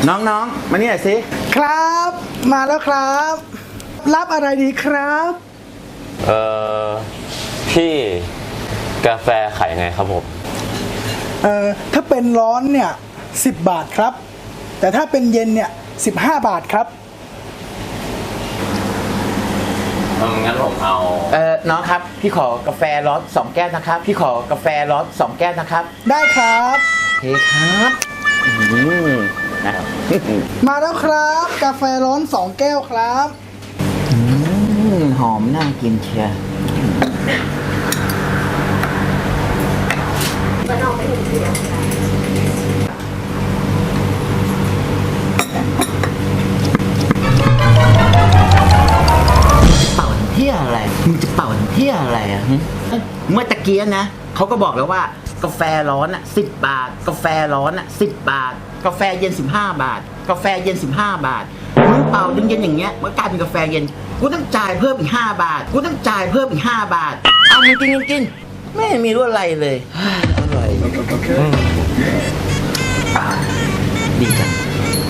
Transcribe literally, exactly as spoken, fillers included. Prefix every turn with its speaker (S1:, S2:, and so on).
S1: น้องๆมานี่หน่อยสิ
S2: ครับมาแล้วครับรับอะไรดีครับ
S3: เอ่อพี่กาแฟขายยังไงครับผม
S2: เอ่อถ้าเป็นร้อนเนี่ยสิบบาทครับแต่ถ้าเป็นเย็นเนี่ยสิบห้าบาทครับ
S3: งั้นผมเอา
S1: เออน้องครับพี่ขอกาแฟร้อนสองแก้วนะครับพี่ขอกาแฟร้อนสองแก้วนะครับ
S2: ได้ครับ
S1: โอเคครับอืมนะครับ
S2: มาแล้วครับกาแฟร้อนสองแก้วครับ
S1: อืมหอมน่ากินเชียร์เป่าเที่ยอะไรมึงจะเป่าเที่ยอะไรอ่ะเมื่อตะเกียนะเขาก็บอกแล้วว่ากาแฟร้อนอ่ะสิบบาทกาแฟร้อนอ่ะสิบบาทกาแฟเย็นสิบห้าบาทกาแฟเย็นสิบห้าบาทมึงเป่าเย็นๆอย่างเงี้ยมันกลายเป็นกาแฟเย็นกูต้องจ่ายเพิ่มอีกห้าบาทกูต้องจ่ายเพิ่มอีกห้าบาทเอามึงกินกินไม่มีรู้อะไรเลยอร่อยดีจัง